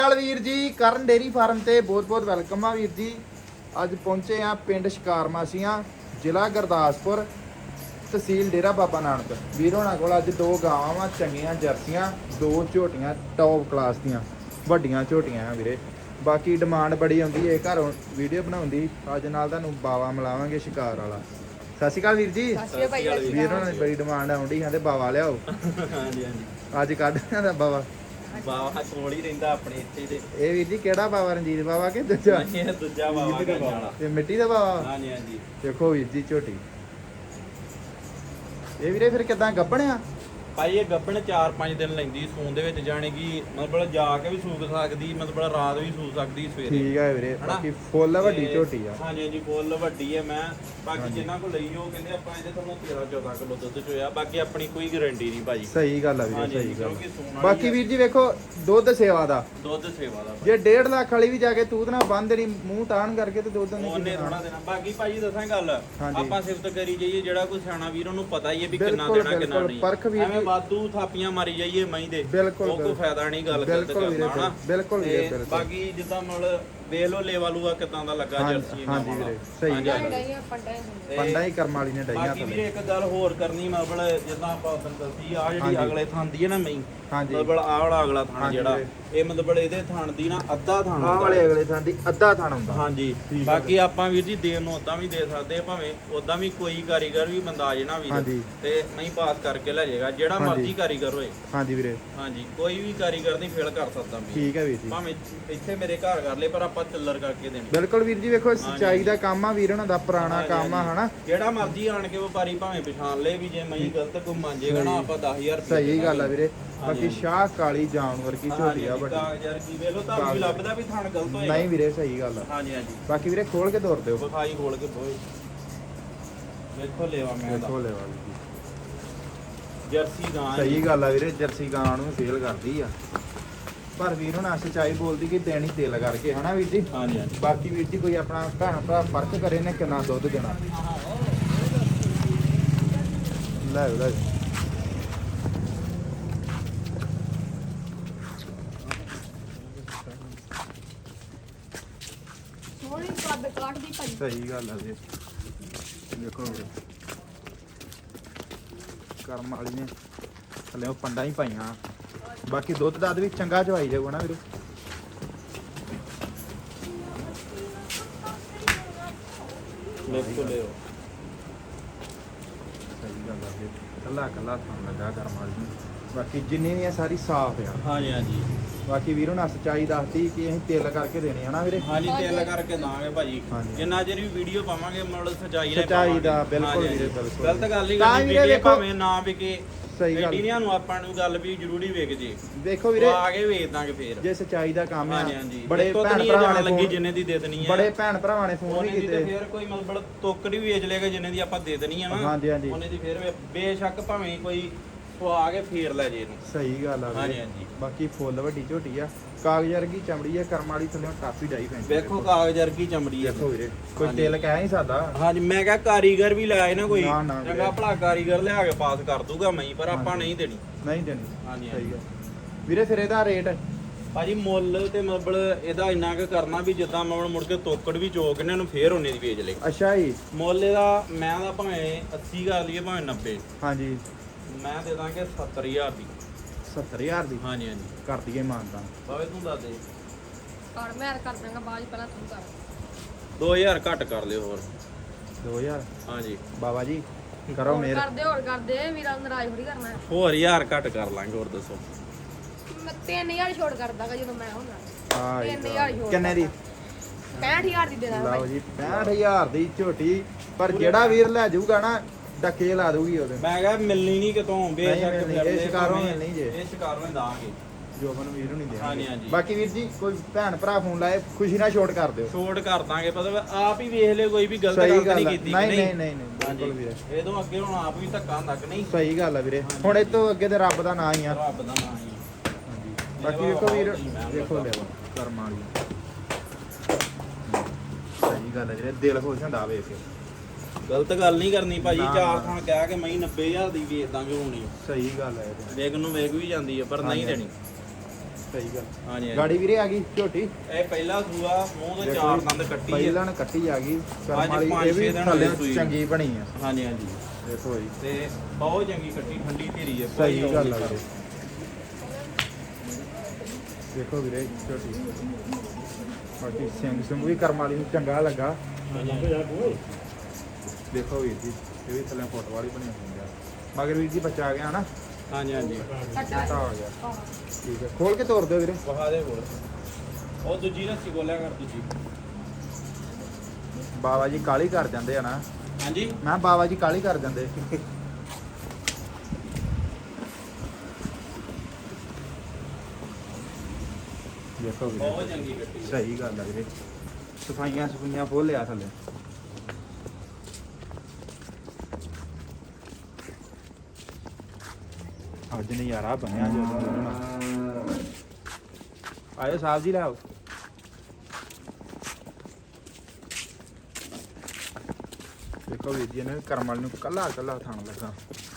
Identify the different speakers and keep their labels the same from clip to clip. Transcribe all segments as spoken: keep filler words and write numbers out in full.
Speaker 1: ਵੀਰ ਜੀ ਕਰਨ dairy farm ਤੇ ਬਹੁਤ ਬਹੁਤ ਵੈਲਕਮ ਆ ਵੀਰ ਜੀ। ਅੱਜ ਪਹੁੰਚੇ ਆ ਪਿੰਡ ਸ਼ਿਕਾਰ ਮਾਸੀਆਂ, ਜ਼ਿਲ੍ਹਾ ਗੁਰਦਾਸਪੁਰ, ਤਹਿਸੀਲ ਡੇਰਾ ਬਾਬਾ ਨਾਨਕ। ਵੀਰ ਹੋਣਾ ਕੋਲ ਅੱਜ ਦੋ ਗਾਵਾਂ ਵਾ ਚੰਗੀਆਂ ਜਰਸੀਆਂ, ਦੋ ਝੋਟੀਆਂ ਟੌਪ ਕਲਾਸ ਦੀਆਂ ਵੱਡੀਆਂ ਝੋਟੀਆਂ ਆ ਵੀਰੇ। ਬਾਕੀ ਡਿਮਾਂਡ ਬੜੀ ਆਉਂਦੀ ਹੈ ਘਰੋਂ ਵੀਡੀਓ ਬਣਾਉਂਦੀ, ਅੱਜ ਨਾਲ ਤੁਹਾਨੂੰ ਬਾਵਾ ਮਿਲਾਵਾਂਗੇ ਸ਼ਿਕਾਰ ਵਾਲਾ। ਸਤਿ ਸ਼੍ਰੀ ਅਕਾਲ ਵੀਰ ਜੀ। ਵੀਰ ਹੋਣਾ ਦੀ ਬੜੀ ਡਿਮਾਂਡ ਆਉਂਦੀ, ਕਹਿੰਦੇ ਬਾਵਾ ਲਿਆਓ।
Speaker 2: ਹਾਂਜੀ ਹਾਂਜੀ
Speaker 1: ਅੱਜ ਕੱਢ ਦਾ ਬਾਵਾ
Speaker 2: ਬਾਵਾ ਕੋਲ ਹੀ ਰਹਿੰਦਾ ਆਪਣੇ ਇੱਥੇ ਤੇ।
Speaker 1: ਇਹ ਵੀਰ ਜੀ ਕਿਹੜਾ ਬਾਵਾ, ਰਣਜੀਤ ਬਾਵਾ ਕਿ ਦੂਜਾ?
Speaker 2: ਇਹ ਦੂਜਾ ਬਾਵਾ ਗੰਜ ਵਾਲਾ
Speaker 1: ਤੇ ਮਿੱਟੀ ਦਾ ਬਾਵਾ।
Speaker 2: ਹਾਂਜੀ ਹਾਂਜੀ
Speaker 1: ਦੇਖੋ ਵੀਰ ਜੀ ਝੋਟੀ। ਇਹ ਵੀਰੇ ਫਿਰ ਕਿਦਾਂ ਗੱਭਣਿਆ?
Speaker 2: ਭਾਈ ਇਹ ਗੱਭਣ ਚਾਰ ਪੰਜ ਦਿਨ ਲੈਂਦੀ ਸੂਣ ਦੇ ਵਿੱਚ, ਜਾਣੇ ਕਿ ਮਤਲਬ ਜਾ ਕੇ ਵੀ ਸੂਕ ਸਕਦੀ, ਮਤਲਬ ਰਾਤ ਵੀ ਸੂ ਸਕਦੀ ਸਵੇਰੇ।
Speaker 1: ਠੀਕ ਹੈ ਵੀਰੇ।
Speaker 2: ਹਨਾ?
Speaker 1: ਬਾਕੀ ਫੁੱਲ ਵੱਡੀ
Speaker 2: ਤੇ
Speaker 1: ਝੋਟੀ ਆ।
Speaker 2: ਹਾਂਜੀ ਹਾਂਜੀ ਫੁੱਲ ਵੱਡੀ ਹੈ। ਮੈਂ ਬਾਕੀ
Speaker 1: ਹਾਂਜੀ।
Speaker 2: ਜਿਨ੍ਹਾਂ ਕੋਲ ਲਈ ਉਹ ਕਹਿੰਦੇ ਆਪਾਂ ਇਹਦੇ ਤੁਹਾਨੂੰ ਤੇਰਾਂ ਚੌਦਾਂ ਕਿਲੋ ਦੁੱਧ ਚੋਇਆ। ਬਾਕੀ ਆਪਣੀ ਕੋਈ ਗਾਰੰਟੀ ਨਹੀਂ ਭਾਜੀ।
Speaker 1: ਸਹੀ ਗੱਲ ਆ ਵੀਰੇ,
Speaker 2: ਹਾਂਜੀ,
Speaker 1: ਸਹੀ ਗੱਲ।
Speaker 2: ਕਿਉਂਕਿ ਸੂਣ ਵਾਲੀ
Speaker 1: ਬਾਕੀ
Speaker 2: ਆ।
Speaker 1: ਵੀਰ ਜੀ ਵੇਖੋ ਦੁੱਧ ਸੇਵਾ ਦਾ,
Speaker 2: ਦੁੱਧ ਸੇਵਾ ਦਾ
Speaker 1: ਜੇ ਡੇਢ ਲੱਖ ਵਾਲੀ ਵੀ ਜਾ ਕੇ ਤੂਤ ਨਾ ਬੰਨ ਦੇਣੀ ਮੂੰਹ ਤਾਣ ਕਰਕੇ ਤੇ ਦੁੱਧ ਨਹੀਂ
Speaker 2: ਉਹਨੇ
Speaker 1: ਦੇਣਾ।
Speaker 2: ਥੋੜਾ ਦੇਣਾ। ਬਾਕੀ ਭਾਜੀ ਦੱਸਾਂ ਗੱਲ,
Speaker 1: ਹਾਂਜੀ।
Speaker 2: ਆਪਾਂ ਸਿਫਤ ਕਰੀ ਜਾਈਏ, ਜਿਹੜਾ ਕੋਈ ਸਿਆਣਾ ਵੀਰ ਉਹਨੂੰ ਪਤਾ ਹੀ ਹੈ ਵੀ ਕਿੰਨਾ
Speaker 1: ਬਿਲਕੁਲ,
Speaker 2: ਦੇਣਾ ਕਿੰਨਾ
Speaker 1: ਬਿਲਕੁਲ।
Speaker 2: ਨਹੀਂ।
Speaker 1: ਪਰਖ ਵੀਰ
Speaker 2: ਐਵੇਂ
Speaker 1: ਜੀ-
Speaker 2: ਵਾਧੂ ਥਾਪੀਆਂ ਮਾਰੀ ਜਾਈਏ ਮਹੀਂ ਦੇ,
Speaker 1: ਬਿਲਕੁਲ,
Speaker 2: ਉਹ ਕੋਈ
Speaker 1: ਬਿਲਕੁਲ।
Speaker 2: ਫਾਇਦਾ ਨਹੀਂ ਗੱਲ ਗਲਤ
Speaker 1: ਬਿਲਕੁਲ ਵੀਰੇ,
Speaker 2: ਕਰਨਾ ਹਨਾ।
Speaker 1: ਬਿਲਕੁਲ ਵੀਰੇ,
Speaker 2: ਤੇ
Speaker 1: ਬਿਲਕੁਲ।
Speaker 2: ਬਾਕੀ ਜਿੱਦਾਂ ਮਤਲਬ ਵੇਖ ਲੋ ਲੇਵਾ ਲੂਆ ਕਿਦਾਂ ਦਾ ਲੱਗਾ
Speaker 1: ਹਾਂਜੀ,
Speaker 2: ਜਰਸੀ
Speaker 1: ਹਾਂਜੀ
Speaker 2: ਵਾਲਾ।
Speaker 1: ਵੀਰੇ, ਸਹੀ
Speaker 2: ਹਾਂਜੀ,
Speaker 1: ਗੱਲ ਹੈ।
Speaker 2: ਹਾਂਜੀ। ਤੇ
Speaker 1: ਪੰਡਾ ਹੀ ਕਰਮ ਵਾਲੀ ਨੇ ਡਾਈਆਂ
Speaker 2: ਬਾਕੀ ਵੀਰੇ
Speaker 1: ਥੱਲੇ।
Speaker 2: ਇੱਕ ਗੱਲ ਹੋਰ ਕਰਨੀ, ਮਤਲਬ ਜਿੱਦਾਂ ਆਪਾਂ ਉਦੋਂ ਦੱਸੀ ਆ ਜਿਹੜੀ
Speaker 1: ਹਾਂਜੀ।
Speaker 2: ਅਗਲੇ ਥਾਂ ਦੀ ਹੈ ਨਾ ਮਹੀਂ,
Speaker 1: ਹਾਂਜੀ।
Speaker 2: ਮਤਲਬ ਆਹ ਵਾਲਾ ਅਗਲਾ ਥਾਂ
Speaker 1: ਹਾਂਜੀ
Speaker 2: ਜਿਹੜਾ
Speaker 1: ਵੀਰੇ।
Speaker 2: ਇਹ ਮਤਲਬ ਇਹਦੇ ਥਾਂ ਦੀ ਨਾ ਅੱਧਾ ਥਾਂ
Speaker 1: ਆਹ
Speaker 2: ਹੁੰਦਾ
Speaker 1: ਵਾਲੇ
Speaker 2: ਹੈ।
Speaker 1: ਅਗਲੇ ਥਾਂ ਦੀ ਅੱਧਾ ਥਾਂ ਹੁੰਦਾ।
Speaker 2: ਹਾਂਜੀ
Speaker 1: ਠੀਕ ਹੈ।
Speaker 2: ਬਾਕੀ ਆਪਾਂ ਵੀਰ ਜੀ ਦੇਣ ਨੂੰ ਉਦਾਂ ਵੀ ਦੇ ਸਕਦੇ ਆ, ਭਾਵੇਂ ਉਦਾਂ ਵੀ ਕੋਈ ਕਾਰੀਗਰ ਵੀ ਬੰਦਾ ਆ ਜੇ ਨਾ ਵੀਰ
Speaker 1: ਹਾਂਜੀ।
Speaker 2: ਤੇ ਨਹੀਂ ਪਾਸ ਕਰਕੇ ਲੈ ਜਾਏਗਾ, ਜਿਹੜਾ
Speaker 1: ਹਾਂਜੀ।
Speaker 2: ਮਰਜ਼ੀ ਕਾਰੀਗਰ ਹੋਏ।
Speaker 1: ਹਾਂਜੀ ਵੀਰੇ,
Speaker 2: ਹਾਂਜੀ ਕੋਈ ਵੀ ਕਾਰੀਗਰ ਨਹੀਂ ਫੇਲ ਕਰ ਸਕਦਾ ਵੀਰ।
Speaker 1: ਠੀਕ ਹੈ ਵੀਰ ਜੀ।
Speaker 2: ਭਾਵੇਂ ਇੱਥੇ ਮੇਰੇ ਘਰ ਕਰ ਲੇ, ਪਰ ਆਪਾਂ ਚੱਲਰ ਕਰਕੇ ਦੇਣੀ।
Speaker 1: ਬਿਲਕੁਲ ਵੀਰ ਜੀ। ਵੇਖੋ ਸੱਚਾਈ ਦਾ ਕੰਮ ਆ ਵੀਰ ਉਹਨਾਂ ਦਾ, ਪੁਰਾਣਾ
Speaker 2: ਹਾਂਜੀ,
Speaker 1: ਕੰਮ ਆ
Speaker 2: ਹਾਂਜੀ।
Speaker 1: ਹਨਾ।
Speaker 2: ਜਿਹੜਾ ਮਰਜ਼ੀ ਆਣ ਕੇ ਵਪਾਰੀ ਭਾਵੇਂ ਪਛਾਣ ਲੇ ਵੀ, ਜੇ ਮੈਂ ਗਲਤ ਕੋਈ ਮੰਨ ਜੇਗਾ ਨਾ ਆਪਾਂ ਦਸ ਹਜ਼ਾਰ ਰੁਪਏ
Speaker 1: ਸਹੀ ਗੱਲ ਆ ਵੀਰੇ।
Speaker 2: ਹਾਂਜੀ।
Speaker 1: ਬਾਕੀ ਸ਼ਾਹ ਕਾਲੀ ਜਾਨਵਰ ਕੀ ਝੋਟੀ ਆ ਵੱਡੀ।
Speaker 2: ਕਾਗਜ਼ਾਰ ਕੀ ਵੇਲੋ ਤਾਂ ਵੀ ਲੱਭਦਾ ਵੀ ਥਣ ਗਲਤ ਹੋਏਗਾ।
Speaker 1: ਨਹੀਂ ਵੀਰੇ, ਸਹੀ ਗੱਲ ਆ।
Speaker 2: ਹਾਂਜੀ ਹਾਂਜੀ
Speaker 1: ਬਾਕੀ ਵੀਰੇ ਖੋਲ ਕੇ ਦੌੜ ਦਿਓ।
Speaker 2: ਵਿਖਾਈ ਖੋਲ ਕੇ ਬੋਏ ਵੇਖੋ ਲੈਵਾ ਮੈਂ ਦਾ
Speaker 1: ਦੇਖੋ ਲੈ ਵਾਲੀ ਜੀ।
Speaker 2: ਜਰਸੀ ਗਾਂ ਹੈ।
Speaker 1: ਸਹੀ ਗੱਲ ਆ ਵੀਰੇ, ਜਰਸੀ ਗਾਂ ਨੂੰ ਫੇਲ ਕਰਦੀ ਆ, ਪਰ ਵੀਰ ਹੁਣ ਸੱਚਾਈ ਬੋਲਦੀ ਕਿ ਦੇਣੀ ਤੇਲ ਕਰਕੇ ਹਨਾ ਵੀਰ ਜੀ।
Speaker 2: ਹਾਂਜੀ ਹਾਂਜੀ
Speaker 1: ਬਾਕੀ ਵੀਰ ਜੀ ਕੋਈ ਆਪਣਾ ਭੈਣ ਭਰਾ ਫਰਕ ਕਰੇ ਨੇ ਕਿੰਨਾ ਦੁੱਧ ਦੇਣਾ। ਲੈ ਲੈ
Speaker 3: ਸੋਹਣੀ ਕੱਦ ਕਾਟਦੀ ਭਾਈ।
Speaker 1: ਸਹੀ ਗੱਲ ਆ ਵੀਰੇ। ਦੇਖੋ ਵੀਰੇ ਕਰਮ ਵਾਲੀ ਨੇ ਥੱਲੇ ਉਹ ਪੰਡਾਂ ਹੀ ਪਾਈਆਂ। ਬਾਕੀ ਦੁੱਧ ਦੱਧ ਵੀ ਚੰਗਾ ਚਵਾਈ ਜਾਊਗਾ ਨਾ ਵੀਰੇ।
Speaker 2: ਵੇਖੋ ਲਿਓ
Speaker 1: ਸਹੀ ਗੱਲ ਆ ਵੀਰੇ, ਕੱਲਾ ਕੱਲਾ ਥਾਂ ਲੱਗਾ ਕਰਮ ਵਾਲੀ ਨੂੰ। ਬਾਕੀ ਜਿੰਨੀ ਵੀ ਆ ਸਾਰੀ ਸਾਫ਼ ਆ।
Speaker 2: ਹਾਂਜੀ ਹਾਂਜੀ
Speaker 1: ਬਾਕੀ ਵੀਰ ਹੁਣ ਸੱਚਾਈ ਦੱਸਦੀ ਕਿ ਅਸੀਂ ਤੇਲ ਕਰਕੇ ਦੇਣੇ ਹਨਾ ਵੀਰੇ।
Speaker 2: ਹਾਂਜੀ ਤੇਲ ਕਰਕੇ ਦਾਂਗੇ ਭਾਜੀ।
Speaker 1: ਹਾਂਜੀ।
Speaker 2: ਜਿੰਨਾ ਚਿਰ ਵੀ ਵੀਡੀਓ ਪਾਵਾਂਗੇ ਮਤਲਬ ਸਚਾਈ ਨਾਲ
Speaker 1: ਸੱਚਾਈ ਦਾ,
Speaker 2: ਪਾਵਾਂਗੇ।
Speaker 1: ਬਿਲਕੁਲ
Speaker 2: ਹਾਂਜੀ,
Speaker 1: ਵੀਰੇ,
Speaker 2: ਹਾਂਜੀ।
Speaker 1: ਬਿਲਕੁਲ।
Speaker 2: ਗਲਤ ਗੱਲ ਹੀ
Speaker 1: ਤਾਂ
Speaker 2: ਕਰਨੀ
Speaker 1: ਵੀਰੇ
Speaker 2: ਵੀਰੇ,
Speaker 1: ਵੇਖੋ-
Speaker 2: ਭਾਵੇਂ ਨਾ ਵਿਕੇ।
Speaker 1: ਸਹੀ ਗੱਲ।
Speaker 2: ਐਡੀਆਂ ਨੂੰ ਆਪਾਂ ਨੂੰ ਗੱਲ ਵੀ ਜ਼ਰੂਰੀ ਵਿਕ ਜੇ,
Speaker 1: ਦੇਖੋ ਵੀਰੇ
Speaker 2: ਉਹ ਆ ਕੇ ਵੇਚ ਦਾਂਗੇ ਫੇਰ।
Speaker 1: ਜੇ ਸੱਚਾਈ ਦਾ ਕੰਮ ਆ,
Speaker 2: ਹਾਂਜੀ ਹਾਂਜੀ
Speaker 1: ਬੜੇ
Speaker 2: ਇੱਥੋਂ ਤਾਂ
Speaker 1: ਭੈਣ
Speaker 2: ਨਹੀਂ ਇਹ
Speaker 1: ਭਰਾਵਾਂ
Speaker 2: ਜਾਣ
Speaker 1: ਨੇ
Speaker 2: ਲੱਗੀ
Speaker 1: ਫੋਨ
Speaker 2: ਜਿੰਨੇ ਦੀ ਦੇ ਦੇਣੀ ਹੈ।
Speaker 1: ਬੜੇ ਭੈਣ ਭਰਾਵਾਂ ਨੇ ਫੋਨ ਵੀ
Speaker 2: ਉਹਨੇ ਦੀ ਤੇ
Speaker 1: ਕੀਤੇ।
Speaker 2: ਫੇਰ ਕੋਈ ਮਤਲਬ ਤੋਕੜ ਵੀ ਵੇਚ ਲੇਗਾ ਜਿੰਨੇ ਦੀ ਆਪਾਂ ਦੇ ਦੇਣੀ ਆ ਨਾ।
Speaker 1: ਹਾਂਜੀ, ਹਾਂਜੀ।
Speaker 2: ਉਹਨੇ ਦੀ ਫੇਰ ਵੇ- ਬੇਸ਼ੱਕ ਭਾਵੇਂ ਕੋਈ ਉਹ ਆ ਕੇ ਫੇਰ ਲੈ ਜੇ ਇਹਨੂੰ।
Speaker 1: ਸਹੀ ਗੱਲ ਆ
Speaker 2: ਹਾਂਜੀ
Speaker 1: ਵੀਰੇ।
Speaker 2: ਹਾਂਜੀ
Speaker 1: ਬਾਕੀ ਫੁੱਲ ਵੱਡੀ ਝੋਟੀ ਆ, ਕਾਗਜ਼ ਵਰਗੀ ਚਮੜੀ ਆ, ਕਰਮ ਵਾਲੀ ਥੱਲੇ ਟਾਪੀ ਡਾਈ ਪੈਂਦੀ।
Speaker 2: ਵੇਖੋ ਕਾਗਜ਼ ਵਰਗੀ ਚਮੜੀ ਹੈ।
Speaker 1: ਦੇਖੋ ਵੀਰੇ ਕੋਈ
Speaker 2: ਹਾਂਜੀ।
Speaker 1: ਤੇਲ ਕਹਿ ਨਹੀਂ ਸਕਦਾ।
Speaker 2: ਹਾਂਜੀ ਮੈਂ ਕਿਹਾ ਕਾਰੀਗਰ ਵੀ ਲਾਏ ਨਾ ਕੋਈ
Speaker 1: ਨਾ, ਨਾ ਵੀਰੇ।
Speaker 2: ਚੰਗਾ ਭਲਾ ਕਾਰੀਗਰ ਲਿਆ ਕੇ ਪਾਸ ਕਰ ਦੂਗਾ ਮੈਂ, ਪਰ ਆਪਾਂ
Speaker 1: ਹਾਂਜੀ।
Speaker 2: ਨਹੀਂ ਦੇਣੀ।
Speaker 1: ਨਹੀਂ ਦੇਣੀ।
Speaker 2: ਹਾਂਜੀ,
Speaker 1: ਸਹੀ ਆ ਵੀਰੇ। ਫਿਰ ਇਹਦਾ ਰੇਟ
Speaker 2: ਭਾਜੀ ਮੁੱਲ ਤੇ ਮਤਲਬ ਇਹਦਾ ਇੰਨਾ ਕੁ ਕਰਨਾ ਵੀ ਜਿੱਦਾਂ ਮੈਂ ਮੁੜ ਕੇ ਤੋਕੜ ਵੀ ਚੋਕ ਇਹਨਾਂ ਨੂੰ ਫੇਰ ਉਹਨੇ ਦੀ ਵੇਚ ਲੇ।
Speaker 1: ਅੱਛਾ ਜੀ।
Speaker 2: ਮੁੱਲ ਇਹਦਾ ਮੈਂ ਦਾ ਭਾਵੇਂ ਅੱਸੀ ਕਰ ਲਈਏ ਭਾਵੇਂ ਨੱਬੇ,
Speaker 1: ਹਾਂਜੀ
Speaker 2: ਮੈਂ ਦੇ ਦਾਂਗੇ ਸੱਤਰ ਹਜ਼ਾਰ ਦੀ।
Speaker 1: ਸੱਤਰ ਹਜ਼ਾਰ ਦੀ
Speaker 2: ਹਾਂਜੀ ਹਾਂਜੀ
Speaker 1: ਕਰ ਦਈਏ ਮਾਨਤਾ।
Speaker 2: ਬਾਵੇ ਤੂੰ ਦੱਸ ਦੇ
Speaker 3: ਕਰ ਮੈਂ ਕਰ ਦਾਂਗਾ ਬਾਅਦ 'ਚ, ਪਹਿਲਾਂ ਤੂੰ ਕਰ।
Speaker 2: ਦੋ ਹਜ਼ਾਰ ਘੱਟ ਕਰ ਲਿਓ ਹੋਰ।
Speaker 1: ਦੋ ਹਜ਼ਾਰ
Speaker 2: ਹਾਂਜੀ
Speaker 1: ਬਾਬਾ ਜੀ ਕਰੋ
Speaker 3: ਹੋਰ
Speaker 1: ਮੇਰ।
Speaker 3: ਕਰਦੇ ਹੋਰ ਕਰਦੇ ਵੀਰਾਂ ਨੂੰ ਨਾਰਾਜ਼ ਥੋੜੀ ਕਰਨਾ ਹੈ।
Speaker 2: ਹੋਰ ਹਜ਼ਾਰ ਘੱਟ ਕਰ ਲਾਂਗੇ, ਹੋਰ ਦੱਸੋ।
Speaker 3: ਮੈਂ ਤਿੰਨ ਹਜ਼ਾਰ ਛੋੜ ਕਰ ਦਾਂਗਾ ਜਦੋਂ ਮੈਂ ਹੁੰਦਾ।
Speaker 1: ਹਾਂ
Speaker 3: ਤਿੰਨ ਹਜ਼ਾਰ ਛੋੜ
Speaker 1: ਕਿੰਨੇ ਦੀ?
Speaker 3: ਪੈਂਹਠ ਹਜ਼ਾਰ ਦੀ ਦੇ ਦਾਂਗਾ
Speaker 1: ਲਓ
Speaker 3: ਭਾਈ।
Speaker 1: ਜੀ ਪੈਂਹਠ ਹਜ਼ਾਰ ਦੀ ਝੋਟੀ। ਪਰ ਜਿਹੜਾ ਵੀਰ ਲੈ ਜਾਊਗਾ ਨਾ ਡੱਕੇ ਲਾ ਦੂਗੀ ਉਹਦੇ।
Speaker 2: ਮੈਂ ਕਿਹਾ ਮਿਲਣੀ ਨਹੀਂ ਕਿਤੋਂ, ਬੇਸ਼ੱਕ
Speaker 1: ਮਿਲਣੀ,
Speaker 2: ਫਿਰ
Speaker 1: ਇਹ
Speaker 2: ਲੈ
Speaker 1: ਸ਼ਿਕਾਰੋਂ
Speaker 2: ਭਾਵੇਂ,
Speaker 1: ਮਿਲਣੀ ਜੇ।
Speaker 2: ਇਹ ਸ਼ਿਕਾਰੋਂ ਹੀ ਦਾਂਗੇ।
Speaker 1: ਜੋਬਨ ਵੀਰ ਨੂੰ ਨਹੀਂ
Speaker 2: ਹਾਂਜੀ,
Speaker 1: ਦੇਣਗੇ।
Speaker 2: ਹਾਂਜੀ।
Speaker 1: ਬਾਕੀ ਵੀਰ ਜੀ ਕੋਈ ਭੈਣ ਭਰਾ ਫੋਨ ਲਾਏ ਖੁਸ਼ੀ ਨਾਲ ਛੋਟ ਕਰ ਦਿਓ।
Speaker 2: ਛੋਟ ਕਰ ਦਾਂਗੇ, ਪਤਾ ਆਪ ਹੀ ਵੇਖ ਲਿਓ, ਕੋਈ ਵੀ ਗਲਤ
Speaker 1: ਸਹੀ
Speaker 2: ਗੱਲ
Speaker 1: ਗੱਲ
Speaker 2: ਨਹੀਂ
Speaker 1: ਆ।
Speaker 2: ਕੀਤੀ।
Speaker 1: ਨਹੀਂ
Speaker 2: ਕਿ
Speaker 1: ਨਹੀਂ ਨਹੀਂ ਨਹੀਂ
Speaker 2: ਹਾਂਜੀ
Speaker 1: ਬਿਲਕੁਲ ਵੀਰੇ।
Speaker 2: ਇਹ ਤੋਂ ਅੱਗੇ ਹੁਣ ਆਪ ਵੀ ਧੱਕਾ ਹੁੰਦਾ ਕਿ ਨਹੀਂ।
Speaker 1: ਸਹੀ ਗੱਲ ਆ ਵੀਰੇ।
Speaker 2: ਹਾਂਜੀ।
Speaker 1: ਹੁਣ ਇਹ ਤੋਂ ਅੱਗੇ ਤੇ ਰੱਬ ਦਾ ਨਾਂ ਹੀ ਆ।
Speaker 2: ਰੱਬ ਦਾ ਨਾਮ ਹੀ।
Speaker 1: ਹਾਂਜੀ। ਬਾਕੀ ਵੇਖੋ ਵੀਰ ਦੇਖੋ ਲੈ ਕਰਮ ਵਾਲੀ। ਸਹੀ ਗੱਲ ਹੈ ਵੀਰੇ, ਦਿਲ ਖੁਸ਼ ਹੁੰਦਾ ਵੇਖ ਕੇ।
Speaker 2: ਗਲਤ ਗੱਲ ਨਹੀਂ ਕਰਨੀ ਭਾਜੀ।
Speaker 1: ਨਾ,
Speaker 2: ਚਾਰ
Speaker 1: ਨਾ।
Speaker 2: ਥਾਂ ਕਹਿ ਕੇ ਮੈਂ ਨੱਬੇ ਹਜ਼ਾਰ ਦੀ ਵੇਚ ਦਾਂਗੇ ਹੋਣੀ।
Speaker 1: ਸਹੀ ਗੱਲ ਹੈ ਇਹ ਤੇ।
Speaker 2: ਵੇਖ ਨੂੰ ਵੇਖ ਵੀ ਜਾਂਦੀ ਹੈ, ਪਰ ਨਹੀਂ
Speaker 1: ਹਾਂਜੀ।
Speaker 2: ਦੇਣੀ।
Speaker 1: ਸਹੀ ਗੱਲ
Speaker 2: ਹਾਂਜੀ ਹਾਂਜੀ।
Speaker 1: ਗਾੜੀ ਵੀਰੇ ਆ ਗਈ ਝੋਟੀ
Speaker 2: ਇਹ ਪਹਿਲਾ ਸੂਆ ਮੂੰਹ ਤੋਂ ਚਾਰ ਦੰਦ ਕੱਟੀ ਹੈ
Speaker 1: ਪਹਿਲਾਂ ਨੇ ਕੱਟੀ ਆ ਗਈ ਕਰਮ
Speaker 2: ਅੱਜ
Speaker 1: ਵਾਲੀ
Speaker 2: ਪੰਜ
Speaker 1: ਇਹ ਵੀ
Speaker 2: ਛੇ ਦਿਨ
Speaker 1: ਥੱਲੇ
Speaker 2: ਹੋਏ ਸੂਈ।
Speaker 1: ਚੰਗੀ ਬਣੀ ਆ
Speaker 2: ਹਾਂਜੀ ਹਾਂਜੀ
Speaker 1: ਦੇਖੋ ਜੀ
Speaker 2: ਤੇ ਬਹੁਤ ਚੰਗੀ ਕੱਟੀ ਠੰਡੀ ਧੀਰੀ ਹੈ
Speaker 1: ਸਹੀ
Speaker 2: ਕੋਈ
Speaker 1: ਗੱਲ ਆ
Speaker 2: ਰੌਲਾ
Speaker 1: ਵੀਰੇ ਦੇਖੋ ਵੀਰੇ ਝੋਟੀ ਬਾਕੀ ਸਿੰਘ ਸਿੰਘ ਵੀ ਕਰਮ ਵਾਲੀ ਨੂੰ ਚੰਗਾ ਲੱਗਾ
Speaker 2: ਹਾਂਜੀ
Speaker 1: ਦੇਖੋ ਵੀਰ ਜੀ ਇਹ ਵੀ ਥੱਲੇ ਫੋਟੋ ਵਾਲੀ ਬਣੀ ਹੋਈ ਆ ਮਗਰ ਵੀਰ ਜੀ ਬੱਚਾ ਆ ਗਿਆ ਹਨਾ
Speaker 2: ਹਾਂਜੀ ਹਾਂਜੀ
Speaker 1: ਛੋਟਾ ਹੋ ਗਿਆ ਠੀਕ ਹੈ ਖੋਲ ਕੇ ਤੋਰ ਦਿਓ ਵੀਰੇ
Speaker 2: ਵਹਾ ਦੇ ਹੋਰ ਉਹ ਦੂਜੀ ਰੱਸੀ ਗੋਲਿਆ ਕਰ ਦੂਜੀ
Speaker 1: ਬਾਬਾ ਜੀ ਕਾਲੀ ਕਰ ਜਾਂਦੇ ਆ ਨਾ
Speaker 2: ਹਾਂਜੀ
Speaker 1: ਮੈਂ ਕਿਹਾ ਬਾਬਾ ਜੀ ਕਾਲੀ ਕਰ ਜਾਂਦੇ ਦੇਖੋ ਵੀਰੇ
Speaker 2: ਬਹੁਤ ਚੰਗੀ ਕੱਟੀ ਹੈ।
Speaker 1: ਸਹੀ ਗੱਲ ਆ ਵੀਰੇ ਸਫਾਈਆਂ ਸਫਾਈਆਂ ਫੁੱਲ ਲਿਆ ਥੱਲੇ ਅੱਜ ਨਜ਼ਾਰਾ ਬਣਿਆ ਜਦੋਂ ਆਇਓ ਸਾਹਿਬ ਜੀ ਲਾਓ ਦੇਖੋ ਵੀਰ ਜੀ ਨੇ ਕਰਮ ਵਾਲੇ ਨੂੰ ਕੱਲਾ ਕੱਲਾ ਥਾਣ ਲੱਗਾ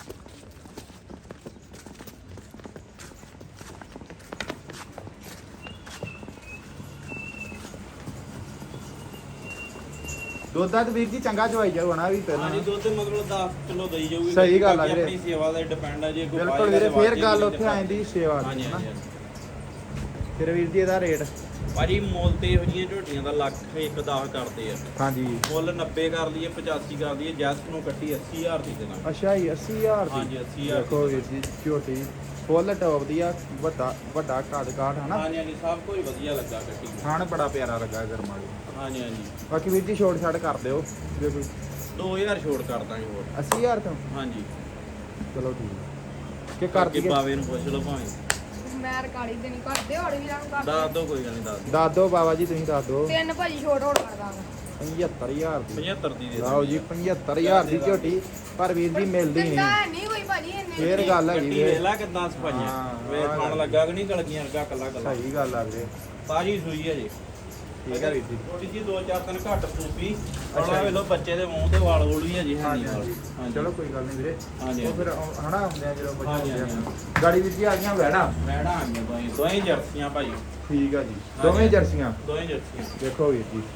Speaker 1: ਦੁੱਧ ਦਾ ਵੀਰ ਜੀ ਚੰਗਾ ਚਵਾਈ ਜਾਊ ਨਾ ਵੀ ਪਹਿਲਾਂ
Speaker 2: ਹਾਂਜੀ ਦੁੱਧ ਮਤਲਬ ਦਸ ਕਿਲੋ ਦੇਈ ਜਾਊਗੀ
Speaker 1: ਸਹੀ ਗੱਲ ਆ
Speaker 2: ਬਾਕੀ
Speaker 1: ਵੀਰੇ।
Speaker 2: ਆਪਣੀ ਸੇਵਾ ਦਾ ਡਿਪੈਂਡ ਆ ਜੇ ਕੋਈ
Speaker 1: ਬਿਲਕੁਲ ਵੀਰੇ ਫੇਰ ਗੱਲ ਉੱਥੇ ਆ ਜਾਂਦੀ ਸੇਵਾ ਦੀ
Speaker 2: ਹਾਂਜੀ
Speaker 1: ਹਨਾ।
Speaker 2: ਹਾਂਜੀ
Speaker 1: ਫਿਰ ਵੀਰ ਜੀ ਇਹਦਾ ਰੇਟ
Speaker 2: ਭਾਜੀ ਮੁੱਲ ਤੇ ਇਹੋ ਜਿਹੀਆਂ ਝੋਟੀਆਂ ਦਾ ਲੱਖ ਇੱਕ ਦਸ ਕਰਦੇ ਆ
Speaker 1: ਹਾਂਜੀ
Speaker 2: ਮੁੱਲ ਨੱਬੇ ਕਰ ਲਈਏ ਪਚਾਸੀ ਕਰ ਲਈਏ ਜੈਸਟ ਨੂੰ ਕੱਟੀ ਅੱਸੀ ਹਜ਼ਾਰ ਦੀ ਦੇਣਾ
Speaker 1: ਅੱਛਾ ਜੀ ਅੱਸੀ ਹਜ਼ਾਰ ਦੀ
Speaker 2: ਹਾਂਜੀ ਅੱਸੀ ਹਜ਼ਾਰ
Speaker 1: ਦੇਖੋ ਵੀਰ ਜੀ ਝੋਟੀ ਫੁੱਲ ਟੌਪ ਦੀ ਆ ਵੱਡਾ ਵੱਡਾ ਕੱਦ ਕਾਠ ਹਨਾ
Speaker 2: ਹਾਂਜੀ ਹਾਂਜੀ ਸਭ ਕੁਝ ਵਧੀਆ ਲੱਗਾ ਕੱਟੀ ਨੂੰ।
Speaker 1: ਖਾਣ ਬੜਾ ਪਿਆਰਾ ਲੱਗਾ ਗਰਮ ਵਾਲੀ
Speaker 2: ਹਾਂਜੀ ਹਾਂਜੀ
Speaker 1: ਬਾਕੀ ਵੀਰ ਜੀ ਛੋਟ ਛਾੜ ਕਰ ਦਿਓ ਜੇ ਕੋਈ
Speaker 2: ਦੋ ਹਜ਼ਾਰ ਛੋੜ ਕਰ ਦਾਂਗੇ ਹੋਰ
Speaker 1: ਅੱਸੀ ਹਜ਼ਾਰ ਤੋਂ
Speaker 2: ਹਾਂਜੀ
Speaker 1: ਚਲੋ ਠੀਕ ਕਿ ਕਰ
Speaker 2: ਕਰਕੇ
Speaker 1: ਦਈਏ
Speaker 2: ਬਾਵੇ ਨੂੰ ਪੁੱਛ ਲਓ ਭਾਵੇਂ
Speaker 3: ਮੈਂ ਰਕਾਲੀ ਦੇ ਨਹੀਂ ਕਰਦੇ ਹੋਰ ਵੀਰਾਂ ਨੂੰ
Speaker 2: ਦੱਸ
Speaker 3: ਕਰਦੇ
Speaker 2: ਦੋ ਕੋਈ ਗੱਲ ਨਹੀਂ ਦੱਸ ਦਿਓ।
Speaker 1: ਦੱਸ ਦਿਓ ਬਾਬਾ ਜੀ ਤੁਸੀਂ ਦੱਸ ਦਿਓ
Speaker 3: ਤਿੰਨ ਭਾਜੀ ਛੋਟ ਹੋੜ ਕਰ ਦਾਂਗਾ
Speaker 1: ਪਝੱਤਰ ਹਜ਼ਾਰ ਦੀ
Speaker 2: ਪਝੱਤਰ ਦੀ ਦੇ
Speaker 1: ਲਓ ਜੀ ਪਝੱਤਰ ਹਜ਼ਾਰ ਦੀ ਝੋਟੀ ਪਰ ਵੀਰ ਜੀ ਮਿਲਦੀ
Speaker 3: ਦਿੰਦਾ
Speaker 1: ਨਹੀਂ
Speaker 3: ਹੈ ਨਹੀਂ ਕੋਈ ਭਾਜੀ ਇੰਨੇ
Speaker 1: ਫੇਰ ਗੱਲ ਹੈਗੀ
Speaker 2: ਕੱਟੀ
Speaker 1: ਵੀਰੇ
Speaker 2: ਵੇਲਾ ਕਿਦਾਂ ਸਫਾਈਆਂ
Speaker 1: ਹਾਂ,
Speaker 2: ਵੇ
Speaker 1: ਆਹ
Speaker 2: ਖਾਣ
Speaker 1: ਗੱਲ।
Speaker 2: ਲੱਗਾ ਕਿ ਨਹੀਂ ਗਲਗੀਆਂ ਵਰਗਾ ਕੱਲਾ ਕੱਲਾ
Speaker 1: ਸਹੀ ਗੱਲ ਆ ਵੀਰੇ
Speaker 2: ਤਾਜੀ ਸੂਈ ਹੈ ਜੀ
Speaker 1: ਠੀਕ ਹੈ ਵੀਰ ਜੀ
Speaker 2: ਥੋੜੀ ਜੀ ਦੋ ਚਾਰ ਦਿਨ ਘੱਟ ਸੂਪੀ
Speaker 1: ਅੱਛਾ
Speaker 2: ਥੋੜਾ
Speaker 1: ਜੀ।
Speaker 2: ਵੇਲੋ ਬੱਚੇ ਦੇ ਮੂੰਹ ਤੇ ਵਾਲ ਵੂਲ ਵੀ ਹੈ ਜੀ
Speaker 1: ਹਾਂਜੀ
Speaker 2: ਹਾਂਜੀ
Speaker 1: ਹਾਂਜੀ ਚਲੋ ਕੋਈ ਗੱਲ ਨਹੀਂ ਵੀਰੇ
Speaker 2: ਹਾਂਜੀ
Speaker 1: ਉਹ ਫਿਰ ਉਹ ਹਨਾ ਹੁੰਦੇ ਆ ਜਦੋਂ ਬੱਚੇ
Speaker 2: ਹਾਂਜੀ,
Speaker 1: ਹੁੰਦੇ ਆ
Speaker 2: ਹਾਂਜੀ।
Speaker 1: ਗਾੜੀ ਵੀਰ ਜੀ ਆ ਗਈਆਂ ਵੈੜਾ
Speaker 2: ਮੈਡਾਂ ਆ ਗਈਆਂ ਦੋਹੀਂ ਦੋਹੀਂ ਜਰਸੀਆਂ ਭਾਈ
Speaker 1: ਠੀਕ ਆ ਜੀ ਦੋਵੇਂ ਜਰਸੀਆਂ
Speaker 2: ਦੋਹੀਂ ਜਰਸੀਆਂ
Speaker 1: ਦੇਖੋ ਵੀਰ ਜੀ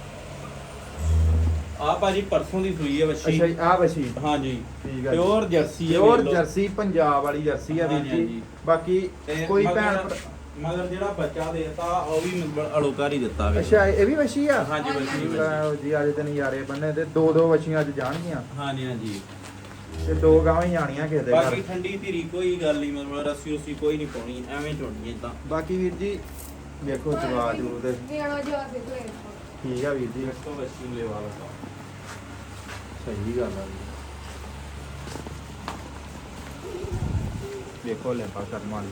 Speaker 2: ਆ ਭਾਜੀ ਪਰਸੋਂ ਦੀ ਸੂਈ ਹੈ
Speaker 1: ਅੱਛਾ
Speaker 2: ਵੱਛੀ
Speaker 1: ਜੀ ਆ ਵਸੀ
Speaker 2: ਹਾਂਜੀ
Speaker 1: ਠੀਕ ਆ
Speaker 2: ਪਿਓਰ ਜਰਸੀ ਹੈ
Speaker 1: ਪਿਓਰ
Speaker 2: ਵੇਖ ਲਓ।
Speaker 1: ਜਰਸੀ ਪੰਜਾਬ ਵਾਲੀ ਜਰਸੀ ਆ ਵੀਰ
Speaker 2: ਹਾਂਜੀ,
Speaker 1: ਜੀ
Speaker 2: ਹਾਂਜੀ।
Speaker 1: ਬਾਕੀ
Speaker 2: ਤੇ
Speaker 1: ਕੋਈ
Speaker 2: ਮਗਰ-
Speaker 1: ਭੈਣ ਭਰਾ-
Speaker 2: ਮਗਰ ਜਿਹੜਾ ਬੱਚਾ ਦੇਤਾ ਉਹ ਵੀ ਮਤਲਬ ਅਲੋਕਾਰ ਹੀ ਦਿੱਤਾ ਵੇ
Speaker 1: ਅੱਛਾ ਇਹ ਵੀ ਵਸੀ ਆ
Speaker 2: ਹਾਂਜੀ ਵੱਛੀ ਵੱਛੀ।
Speaker 1: ਲਓ ਜੀ ਅੱਜ ਤੇ ਨਜ਼ਾਰੇ ਬੰਨੇ ਤੇ ਦੋ ਦੋ ਵਛੀਆਂ ਅੱਜ ਜਾਣਗੀਆਂ
Speaker 2: ਹਾਂਜੀ ਹਾਂਜੀ
Speaker 1: ਤੇ ਦੋ ਗਾਵਾਂ ਹੀ ਜਾਣੀਆਂ ਕਿਸੇ ਦੇ ਘਰ
Speaker 2: ਬਾਕੀ ਠੰਡੀ ਧੀਰੀ ਕੋਈ ਗੱਲ ਨਹੀਂ ਮਤਲਬ ਰੱਸੀ ਉਸੀ ਕੋਈ ਨਹੀਂ ਪਾਉਣੀ ਐਵੇਂ ਚੋਣੀ ਇਦਾਂ
Speaker 1: ਬਾਕੀ ਵੀਰ ਜੀ ਵੇਖੋ ਜਵਾ ਜੂ ਤੇ
Speaker 3: ਨਿਆਣਾ ਜਿਹਾ ਦੇਖੋ ਇਹ।
Speaker 1: ਠੀਕ ਆ ਵੀਰ ਜੀ
Speaker 2: ਦੇਖੋ ਵੱਛੀ ਨੂੰ ਲੈਵਾ ਲਗਾ
Speaker 1: ਸਹੀ ਗੱਲ ਆ ਜੀ ਵੇਖੋ ਲੈਂਪਾ ਕਰਮ ਵਾਲੀ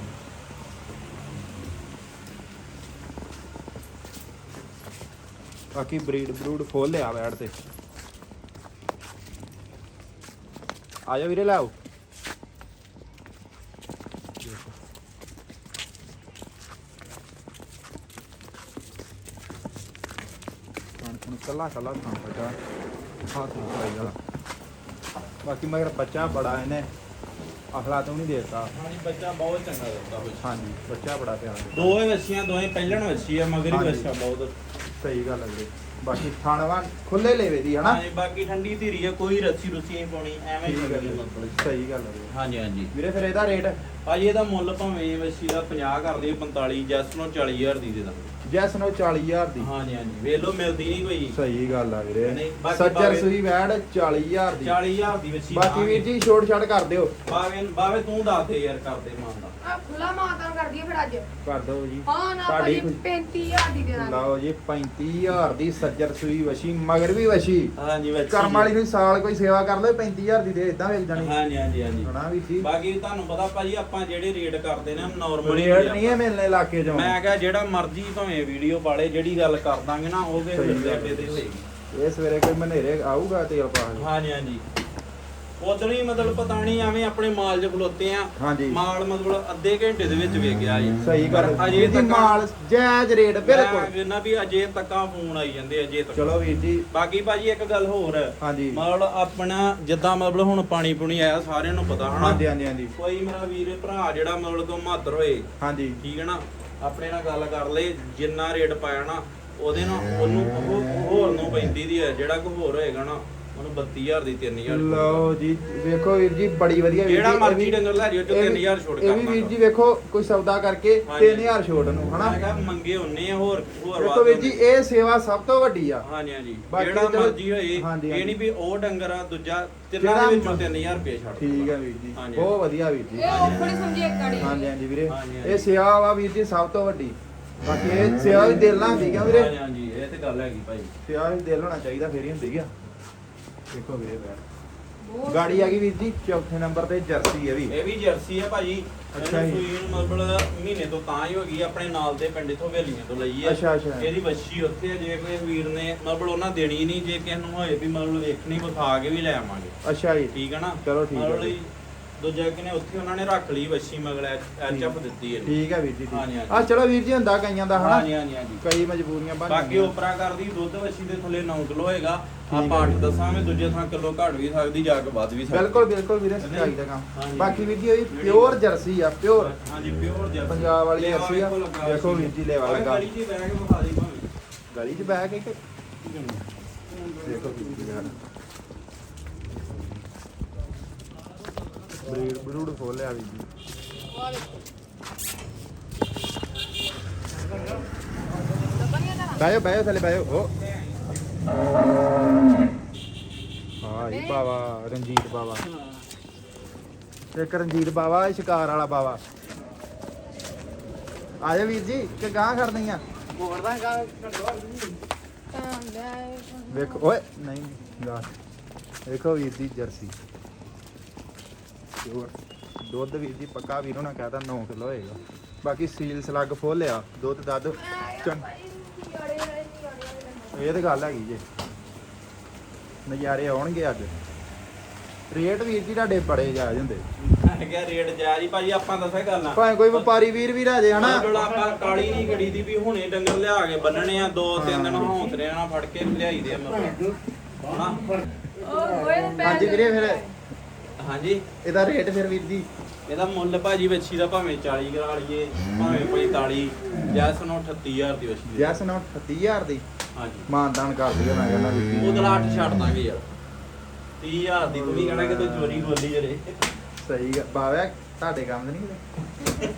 Speaker 1: ਬਾਕੀ ਬਰੀਡ ਬਰੂਡ ਫੁੱਲ ਲਿਆ ਬੈਠ ਤੇ ਆ ਜਾ ਵੀਰੇ ਲਾਓ ਕਣ ਕੱਲਾ ਕੱਲਾ ਖਾਂ ਪਟਾ ਹੱਥ ਨੂੰ ਪਾਈ ਵਾਲਾ ਬਾਕੀ ਮਗਰ ਬੱਚਾ ਬੜਾ ਇਹਨੇ ਅਖਲਾ ਤੋਂ ਨਹੀਂ ਦੇਤਾ
Speaker 2: ਹਾਂਜੀ ਬੱਚਾ ਬਹੁਤ ਚੰਗਾ ਦਿੱਤਾ ਹੋਇਆ
Speaker 1: ਹਾਂਜੀ ਬੱਚਾ ਬੜਾ ਪਿਆਰਾ ਦਿੱਤਾ।
Speaker 2: ਦੋਵੇਂ ਵੱਛੀਆਂ ਦੋਵੇਂ ਪਹਿਲਣ ਵੱਛੀ ਆ ਮਗਰ ਹੀ
Speaker 1: ਹਾਂਜੀ।
Speaker 2: ਵੱਛਾ ਬਹੁਤ
Speaker 1: ਸਹੀ ਗੱਲ ਹੈ ਵੀਰੇ ਬਾਕੀ ਥਾਣਵਾ ਖੁੱਲੇ ਲੈਵੇ ਦੀ ਹਨਾ
Speaker 2: ਹਾਂਜੀ ਬਾਕੀ ਠੰਡੀ ਧੀਰੀ ਆ ਕੋਈ ਰੱਸੀ ਰੁੱਸੀ ਨਹੀਂ ਪਾਉਣੀ ਐਵੇਂ ਹੀ
Speaker 1: ਠੀਕ ਹੈ
Speaker 2: ਚੰਗੀ
Speaker 1: ਵੀਰੇ।
Speaker 2: ਮਤਲਬ
Speaker 1: ਸਹੀ ਗੱਲ ਹੈ ਵੀਰੇ।
Speaker 2: ਹਾਂਜੀ ਹਾਂਜੀ
Speaker 1: ਵੀਰੇ ਫਿਰ ਇਹਦਾ ਰੇਟ
Speaker 2: ਭਾਜੀ ਇਹਦਾ ਮੁੱਲ ਭਾਵੇਂ ਵੱਛੀ ਦਾ ਪੰਜਾਹ ਕਰਦੇ ਪੰਤਾਲੀ ਜੈਸ ਨੂੰ ਚਾਲੀ ਹਜ਼ਾਰ ਦੀ ਦੇ ਦਾਂਗੇ
Speaker 1: ਜੈਸ ਨੂੰ ਚਾਲੀ ਹਜ਼ਾਰ ਦੀ
Speaker 2: ਹਾਂਜੀ ਹਾਂਜੀ ਵੇਖ ਲਓ ਮਿਲਦੀ ਨਹੀਂ ਕੋਈ
Speaker 1: ਸਹੀ ਗੱਲ ਆ ਵੀਰੇ
Speaker 2: ਨਹੀਂ, ਬਾਕੀ
Speaker 1: ਸੱਜਰ
Speaker 2: ਭਾਵੇਂ-
Speaker 1: ਸੂਈ ਵੈੜ ਚਾਲੀ ਹਜ਼ਾਰ ਦੀ
Speaker 2: ਚਾਲੀ ਹਜ਼ਾਰ ਦੀ ਵੱਛੀ
Speaker 1: ਬਾਕੀ ਵੀਰ ਜੀ ਛੋਟ ਛਾੜ ਕਰ ਦਿਓ
Speaker 2: ਬਾਵੇ ਬਾਵੇ ਤੂੰ ਦੱਸ ਦੇ ਯਾਰ ਕਰਦੇ ਮਾਨ ਦਾ
Speaker 3: ਆ ਖੁੱਲਾ ਮਾਤਾ ਕਰ ਦਈਏ ਫਿਰ ਅੱਜ
Speaker 1: ਕਰ ਦਿਓ ਜੀ
Speaker 3: ਹਾਂ ਨਾ
Speaker 1: ਤੁਹਾਡੀ
Speaker 3: ਭਾਜੀ
Speaker 1: ਖੁਸ਼ੀ।
Speaker 3: ਪੈਂਤੀ ਹਜ਼ਾਰ ਦੀ ਦੇ ਦਾਂਗੇ
Speaker 1: ਲਓ ਜੀ ਪੈਂਤੀ ਹਜ਼ਾਰ ਦੀ ਸੱਜਰ ਸੂਈ ਵਸ਼ੀ ਮਗਰ ਵੀ ਵਸ਼ੀ
Speaker 2: ਹਾਂਜੀ ਵੱਛੀ
Speaker 1: ਕਰਮ ਵਾਲੀ ਨੂੰ ਸਾਲ ਕੋਈ ਸੇਵਾ ਕਰ ਲਓ ਪੈਂਤੀ ਹਜ਼ਾਰ ਦੀ ਦੇ ਇਦਾਂ ਮਿਲ ਜਾਣੀ
Speaker 2: ਹਾਂਜੀ ਹਾਂਜੀ ਹਾਂਜੀ
Speaker 1: ਹਣਾ ਵੀ ਜੀ
Speaker 2: ਬਾਕੀ ਤੁਹਾਨੂੰ ਪਤਾ ਭਾਜੀ ਆਪਾਂ ਜਿਹੜੇ ਰੇਟ ਕਰਦੇ ਨੇ ਨਾਰਮਲ
Speaker 1: ਰੇਟ ਨਹੀਂ ਹੈ ਮਿਲਨੇ ਇਲਾਕੇ ਚੋਂ
Speaker 2: ਮੈਂ ਕਿਹਾ ਜਿਹੜਾ ਮਰਜ਼ੀ ਭਾਵੇਂ ਵੀਡੀਓ ਪਾਲੇ ਜਿਹੜੀ ਗੱਲ ਕਰ ਦਾਂਗੇ ਨਾ ਉਹ
Speaker 1: ਸਹੀ
Speaker 2: ਵੀ
Speaker 1: ਗੱਲ
Speaker 2: ਅੱਡੇ ਤੇ ਹੋਏਗੀ
Speaker 1: ਇਹ ਸਵੇਰੇ ਕੋਈ ਮਨੇਰੇ ਆਊਗਾ ਤੇਲ ਪਾ ਕੇ
Speaker 2: ਹਾਂਜੀ ਹਾਂਜੀ ਉਦੋਂ ਹੀ ਮਤਲਬ ਪਤਾ ਨਹੀਂ ਐਵੇਂ ਆਪਣੇ ਮਾਲ 'ਚ ਖਲੋਤੇ ਆ
Speaker 1: ਹਾਂਜੀ
Speaker 2: ਮਾਲ ਮਤਲਬ ਅੱਧੇ ਘੰਟੇ ਦੇ ਵਿੱਚ ਵੇਚ ਗਿਆ ਜੀ
Speaker 1: ਸਹੀ ਗੱਲ
Speaker 2: ਪਰ
Speaker 1: ਅਜੇ
Speaker 2: ਅਜੇ ਤੱਕ
Speaker 1: ਮਾਲ ਜਾਇਜ਼ ਰੇਟ ਬਿਲਕੁਲ
Speaker 2: ਮੈਂ ਕਹਿੰਦਾ ਵੀ ਅਜੇ ਤੱਕਾਂ ਫੋਨ ਆਈ ਜਾਂਦੇ ਅਜੇ ਤੱਕ
Speaker 1: ਚਲੋ ਵੀਰ ਜੀ
Speaker 2: ਬਾਕੀ ਭਾਜੀ ਇੱਕ ਗੱਲ ਹੋਰ
Speaker 1: ਹਾਂਜੀ
Speaker 2: ਮਤਲਬ ਆਪਣਾ ਜਿੱਦਾਂ ਮਤਲਬ ਹੁਣ ਪਾਣੀ ਪੁਣੀ ਆਇਆ ਸਾਰਿਆਂ ਨੂੰ ਪਤਾ ਹਨਾ
Speaker 1: ਹਾਂਜੀ ਹਾਂਜੀ ਹਾਂਜੀ
Speaker 2: ਕੋਈ ਮੇਰਾ ਵੀਰ ਭਰਾ ਜਿਹੜਾ ਮਤਲਬ ਕੋ ਮਾਤਰ ਹੋਏ
Speaker 1: ਹਾਂਜੀ
Speaker 2: ਠੀਕ ਹੈ ਨਾ ਆਪਣੇ ਨਾਲ ਗੱਲ ਕਰ ਲੈ, ਜਿੰਨਾ ਰੇਟ ਪਾਇਆ ਨਾ ਉਹਦੇ ਨਾਲ ਉਹਨੂੰ ਉਹ ਹੋਰ ਨੂੰ ਪੈਂਤੀ ਦੀ ਹੈ, ਜਿਹੜਾ ਕੋਈ ਹੋਰ ਹੋਏਗਾ ਨਾ ਉਹਨੂੰ ਬੱਤੀ ਹਜ਼ਾਰ ਦੀ ਤਿੰਨ ਹਜ਼ਾਰ
Speaker 1: ਲਓ ਜੀ ਵੇਖੋ ਵੀਰ ਜੀ ਬੜੀ ਵਧੀਆ ਵੀਰ
Speaker 2: ਜਿਹੜਾ
Speaker 1: ਜੀ, ਇਹ
Speaker 2: ਮਰਜ਼ੀ
Speaker 1: ਵੀ-
Speaker 2: ਡੰਗਰ ਲੈ ਜਿਓ ਤੇ
Speaker 1: ਇਹ
Speaker 2: ਤਿੰਨ
Speaker 1: ਵੀ-
Speaker 2: ਹਜ਼ਾਰ ਛੋਟ
Speaker 1: ਇਹ ਵੀ
Speaker 2: ਕਰਨਾ
Speaker 1: ਵੀਰ ਜੀ ਵੇਖੋ ਕੋਈ ਸੌਦਾ ਕਰਕੇ
Speaker 2: ਹਾਂਜੀ।
Speaker 1: ਤਿੰਨ ਹਜ਼ਾਰ ਛੋਟ ਨੂੰ ਹਨਾ।
Speaker 2: ਮੈਂ ਕਿਹਾ ਮੰਗੇ ਹੁੰਨੇ ਆ ਹੋਰ ਹੋਰ
Speaker 1: ਵੇਖੋ
Speaker 2: ਵੱਧ
Speaker 1: ਵੀਰ ਜੀ
Speaker 2: ਹੁੰਦੇ।
Speaker 1: ਇਹ ਸੇਵਾ ਸਭ ਤੋਂ ਵੱਡੀ ਆ।
Speaker 2: ਹਾਂਜੀ ਹਾਂਜੀ
Speaker 1: ਬਾਕੀ
Speaker 2: ਜਿਹੜਾ
Speaker 1: ਚਲੋ-
Speaker 2: ਮਰਜ਼ੀ ਹੋਏ,
Speaker 1: ਹਾਂਜੀ,
Speaker 2: ਇਹ
Speaker 1: ਹਾਂਜੀ।
Speaker 2: ਨਹੀਂ ਵੀ ਉਹ ਡੰਗਰ ਆ ਦੂਜਾ ਤਿੰਨਾਂ
Speaker 1: ਜਿਹੜਾ
Speaker 2: ਦੇ ਵਿੱਚੋਂ
Speaker 1: ਮ-
Speaker 2: ਤਿੰਨ ਹਜ਼ਾਰ ਰੁਪਏ ਛੱਡ
Speaker 1: ਠੀਕ ਆ ਵੀਰ ਜੀ,
Speaker 2: ਹਾਂਜੀ।
Speaker 1: ਬਹੁਤ ਵਧੀਆ ਵੀਰ ਜੀ।
Speaker 3: ਇਹ ਔਖੜੀ ਸਮਝੀ ਇੱਕ ਗਾੜੀ
Speaker 1: ਹਾਂਜੀ ਹਾਂਜੀ ਵੀਰੇ,
Speaker 2: ਹਾਂਜੀ, ਹਾਂਜੀ।
Speaker 1: ਇਹ ਸੇਵਾ ਵਾ ਵੀਰ ਜੀ ਸਭ ਤੋਂ ਵੱਡੀ। ਬਾਕੀ ਇਹ ਸੇਵਾ ਵੀ ਦਿਲ ਨਾਲ ਹੁੰਦੀ ਕਿਉਂ ਵੀਰੇ,
Speaker 2: ਹਾਂਜੀ ਹਾਂਜੀ ਇਹ ਤੇ ਗੱਲ ਹੈਗੀ ਭਾਈ।
Speaker 1: ਸੇਵਾ ਵੀ ਦਿਲ ਹੋਣਾ ਚਾਹੀਦਾ ਫੇਰ ਹੀ ਹੁੰਦੀ ਆ। ਦੇਖੋ ਵੀਰੇ ਬੈਠ
Speaker 3: ਬਹੁਤ
Speaker 1: ਗਾੜੀ ਆ ਗਈ ਵੀਰ ਜੀ ਚੌਥੇ ਨੰਬਰ ਤੇ ਜਰਸੀ ਹੈ ਵੀ।
Speaker 2: ਇਹ ਵੀ ਜਰਸੀ ਆ ਭਾਜੀ।
Speaker 1: ਅੱਛਾ
Speaker 2: ਇਹਨੂੰ
Speaker 1: ਜੀ।
Speaker 2: ਸੂਈ ਨੂੰ ਮਤਲਬ ਮਹੀਨੇ ਤੋਂ ਤਾਂ ਹੀ ਹੋ ਗਈ, ਆਪਣੇ ਨਾਲ ਦੇ ਪਿੰਡ ਇਥੋਂ ਹਵੇਲੀਆਂ ਤੋਂ ਲਈ ਹੈ।
Speaker 1: ਅੱਛਾ, ਅੱਛਾ।
Speaker 2: ਇਹਦੀ ਵੱਛੀ ਉੱਥੇ ਆ, ਜੇ ਕੋਈ ਵੀਰ ਨੇ ਮਤਲਬ ਉਹਨਾਂ ਦੇਣੀ ਨਹੀਂ, ਜੇ ਕਿਸੇ ਨੂੰ ਹੋਏ ਵੀ ਮਤਲਬ ਵੇਖਣੀ ਵਿਖਾ ਕੇ ਵੀ ਲੈ ਆਵਾਂਗੇ।
Speaker 1: ਅੱਛਾ ਜੀ,
Speaker 2: ਠੀਕ ਹੈ ਨਾ।
Speaker 1: ਚਲੋ ਠੀਕ ਹੈ
Speaker 2: ਮਤਲਬ
Speaker 1: ਜੀ।
Speaker 2: ਦੂਜਾ ਕਿਨੇ ਉੱਥੇ ਉਹਨਾਂ ਨੇ ਰੱਖ ਲਈ ਵੱਛੀ ਮਗਲ ਐਚ ਐਫ ਦਿੱਤੀ ਹੈ।
Speaker 1: ਠੀਕ ਹੈ ਵੀਰ ਜੀ,
Speaker 2: ਹਾਂਜੀ,
Speaker 1: ਠੀਕ
Speaker 2: ਹਾਂਜੀ।
Speaker 1: ਆ ਚਲੋ ਵੀਰ ਜੀ ਹੁੰਦਾ ਕਈਆਂ ਦਾ ਹਨਾ,
Speaker 2: ਹਾਂਜੀ ਹਾਂਜੀ ਹਾਂਜੀ।
Speaker 1: ਕਈ ਮਜਬੂਰੀਆਂ ਬਣ
Speaker 2: ਬਾਕੀ
Speaker 1: ਜਾਂਦੀਆਂ।
Speaker 2: ਉਪਰਾ ਕਰਦੀ ਦੁੱਧ ਵੱਛੀ ਦੇ ਥੱਲੇ ਨੌ ਕਿਲੋ ਹੋਏਗਾ।
Speaker 1: ਠੀਕ
Speaker 2: ਆਪਾਂ
Speaker 1: ਹੈ
Speaker 2: ਅੱਠ
Speaker 1: ਜੀ।
Speaker 2: ਦੱਸਾਂਗੇ, ਦੂਜੇ ਥਾਂ ਕਿਲੋ ਘੱਟ ਵੀ ਸਕਦੀ, ਜਾ ਕੇ ਵੱਧ ਵੀ ਸਕਦੀ।
Speaker 1: ਬਿਲਕੁਲ ਬਿਲਕੁਲ ਵੀਰੇ
Speaker 2: ਨਹੀਂ?
Speaker 1: ਸਚਾਈ ਦਾ ਕੰਮ।
Speaker 2: ਹਾਂਜੀ।
Speaker 1: ਬਾਕੀ ਵੀਰ ਜੀ ਇਹ ਪਿਓਰ ਜਰਸੀ ਆ, ਪਿਓਰ
Speaker 2: ਹਾਂਜੀ ਪਿਓਰ ਜਰਸੀ
Speaker 1: ਪੰਜਾਬ ਵਾਲੀ
Speaker 2: ਲੇਵਾ
Speaker 1: ਜਰਸੀ ਆ।
Speaker 2: ਵੇਖੋ ਲੱਗਾ
Speaker 1: ਦੇਖੋ ਵੀਰ ਜੀ ਲੇਵਾ
Speaker 2: ਭਾਵੇਂ
Speaker 1: ਲੱਗਾ।
Speaker 2: ਗਲੀ 'ਚ ਬਹਿ ਕੇ ਵਿਖਾ ਦੇ ਭਾਵੇਂ।
Speaker 1: ਗਲੀ 'ਚ ਬਹਿ ਕੇ ਕਿ ਦੇਖੋ ਵੀਰ ਜੀ ਯਾਰ ਬਰੀਡ ਬਰੂਡ ਖੋਲਿਆ ਵੀਰ ਜੀ।
Speaker 3: ਆ ਵੇਖੋ ਲੱਭਣੀਆਂ ਤਾਂ
Speaker 1: ਬਾਇਓ ਬਾਇਓ ਥੱਲੇ ਬਾਇਓ ਓ ਹਾਂ ਇਹ ਬਾਵਾ ਰਣਜੀਤ ਬਾਵਾ, ਇੱਕ ਰਣਜੀਤ ਬਾਵਾ, ਇਹ ਸ਼ਿਕਾਰ ਵਾਲਾ ਬਾਵਾ। ਆ ਜਾ ਵੀਰ ਜੀ ਕਿ ਗਾਂ ਖੜਨੀਆਂ
Speaker 2: ਮੋੜਦਾ ਗਾ
Speaker 3: ਤਾਂ ਲੈ
Speaker 1: ਵੇਖੋ ਓਏ ਨਹੀਂ ਗਾਂ ਵੇਖੋ ਵੀਰ ਦੀ ਜਰਸੀ ਪਿਓਰ ਦੁੱਧ ਵੀਰ ਜੀ ਪੱਕਾ ਵੀਰ ਹੋਣਾ ਕਹਤਾ ਨੌ ਕਿਲੋ ਹੋਏਗਾ। ਬਾਕੀ ਸੀਲ ਸਲੱਗ ਫੁੱਲ ਆ, ਦੁੱਧ ਦੱਧ ਚੰਗ ਇਹ ਤੇ ਗੱਲ ਹੈਗੀ ਜੇ, ਨਜ਼ਾਰੇ ਆਉਣਗੇ ਅੱਜ। ਰੇਟ ਵੀਰ ਜੀ ਤੁਹਾਡੇ ਬੜੇ ਜਾਇਜ਼ ਹੁੰਦੇ,
Speaker 2: ਮੈਂ ਕਿਹਾ ਰੇਟ ਜਾਇਜ਼ ਹੀ ਭਾਜੀ, ਆਪਾਂ ਦੱਸਿਆ ਗੱਲ ਨਾ
Speaker 1: ਭਾਵੇਂ ਕੋਈ ਵਪਾਰੀ ਵੀਰ ਵੀ ਰਾਜੇ ਹਨਾ।
Speaker 2: ਮਤਲਬ ਆਪਾਂ ਕਾਲੀ ਨਹੀਂ ਗੜੀ ਦੀ ਵੀ ਹੁਣੇ ਡੰਗਰ ਲਿਆ ਕੇ ਬੰਨਣੇ ਆ, ਦੋ ਤਿੰਨ ਦਿਨ ਹੌਂਸਲੇ ਨਾਲ ਫੜ ਕੇ ਲਿਆਈ ਦੇ ਆ ਮਤਲਬ ਹਨਾ।
Speaker 3: ਉਹ ਹੋਏ
Speaker 1: ਹਾਂਜੀ ਵੀਰੇ ਫਿਰ
Speaker 2: ਹਾਂਜੀ
Speaker 1: ਇਹਦਾ ਰੇਟ ਫਿਰ ਵੀਰ ਜੀ
Speaker 2: ਇਹਦਾ ਮੁੱਲ ਭਾਜੀ ਵੱਛੀ ਦਾ ਭਾਵੇਂ ਚਾਲੀ ਕਰਾ ਲਈਏ, ਭਾਵੇਂ ਪੰਤਾਲੀ, ਜੈਸ ਨੂੰ ਅਠੱਤੀ ਹਜ਼ਾਰ ਦੀ ਵੱਛੀ ਦੇ।
Speaker 1: ਜੈਸ ਨੌ ਅਠੱਤੀ ਹਜ਼ਾਰ ਦੀ
Speaker 2: ਹਾਂਜੀ
Speaker 1: ਮਾਨਦਾਨ ਕਰ ਦਿਓ ਮੈਂ ਕਹਿੰਦਾ ਵੀਰ ਜੀ।
Speaker 2: ਉਹਦਾ ਅੱਠ ਛੱਡ ਦਾਂਗੇ ਯਾਰ, ਤੀਹ ਹਜ਼ਾਰ ਦੀ ਤੂੰ ਵੀ ਕਹਿਣਾ ਕਿ ਤੂੰ ਚੋਰੀ ਖੋਲੀ ਜਰੇ।
Speaker 1: ਸਹੀ ਗੱਲ ਬਾਵਾ ਤੁਹਾਡੇ ਕੰਮ ਦੇ ਨਹੀਂ